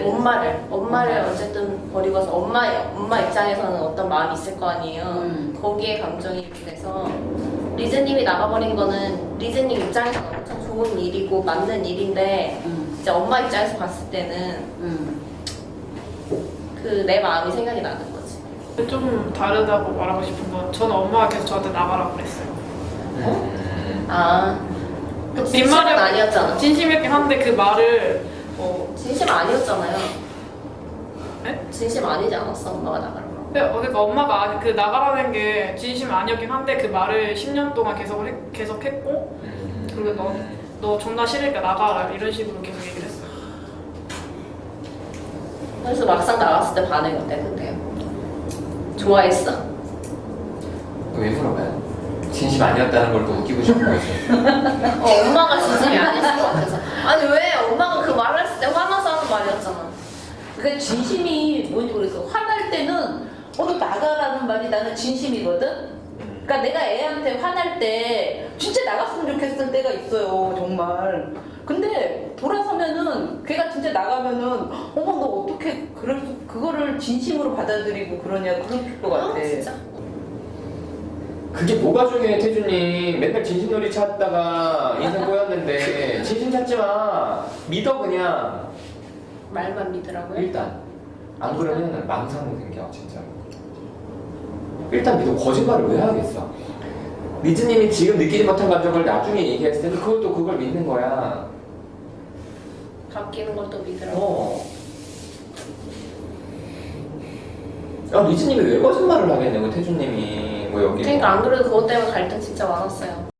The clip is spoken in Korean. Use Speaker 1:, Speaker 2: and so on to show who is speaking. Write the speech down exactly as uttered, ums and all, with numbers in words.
Speaker 1: 엄마를 엄마를
Speaker 2: 엄마.
Speaker 1: 어쨌든 버리고 와서 엄마 엄마 입장에서는 어떤 마음이 있을 거 아니에요.
Speaker 2: 음.
Speaker 1: 거기에 감정이입이 돼서 리즈님이 나가버린 거는 리즈님 입장에서는 엄청 좋은 일이고 맞는 일인데
Speaker 2: 음.
Speaker 1: 이제 엄마 입장에서 봤을 때는
Speaker 2: 음.
Speaker 1: 그 내 마음이 생각이 나는 거지.
Speaker 3: 좀 다르다고 말하고 싶은 건 저는 엄마가 계속 저한테 나가라고 그랬어요.
Speaker 4: 음.
Speaker 1: 아, 그 진심은
Speaker 3: 빈말이
Speaker 1: 아니었잖아.
Speaker 3: 진심이었긴 한데 그 말을 어,
Speaker 1: 진심 아니었잖아요.
Speaker 3: 네?
Speaker 1: 진심 아니지 않았어 엄마가 나가라고.
Speaker 3: 근데 어, 그러니까 엄마가 아니- 그 나가라는 게 진심 아니었긴 한데 그 말을 십 년 동안 계속 해, 계속 했고
Speaker 4: 음.
Speaker 3: 그리고 너, 너 존나 싫으니까 나가라 이런 식으로 계속 얘기를 했어요.
Speaker 1: 그래서 막상 나갔을 때 반응이 어때 근데? 좋아했어?
Speaker 4: 왜 물어봐요? 진심 아니었다는 걸 또 웃기고 싶은 거지.
Speaker 1: 어, 엄마가 진심이 아니었을 것 같아서. 아니 왜 엄마가 그 말을 했을 때 화나서 하는 말이었잖아.
Speaker 2: 그 진심이 뭔지 모르겠어. 화날 때는 어, 너 나가라는 말이 나는 진심이거든? 그러니까 내가 애한테 화날 때 진짜 나갔으면 좋겠을 때가 있어요, 정말. 근데 돌아서면은 걔가 진짜 나가면은 어머 너 어떻게 그럴 수, 그거를 진심으로 받아들이고 그러냐 그럴 것 같아.
Speaker 1: 아 진짜.
Speaker 4: 그게 뭐가 중요해, 태준님. 맨날 진심놀이 찾다가 인생 꼬였는데 진심 찾지 마. 믿어 그냥.
Speaker 1: 말만 믿으라고요?
Speaker 4: 일단 안 그러면 망상이 생겨 진짜. 일단 믿어. 거짓말을 왜 하겠어? 리즈님이 지금 느끼지 못한 감정을 나중에 얘기했을 때는 그것도 그걸 믿는 거야.
Speaker 1: 바뀌는 걸 또 믿으라고.
Speaker 4: 어. 아, 리즈님이 왜 거짓말을 하겠냐고, 태준님이. 뭐 여기.
Speaker 1: 그러니까 안 그래도 그것 때문에 갈등 진짜 많았어요.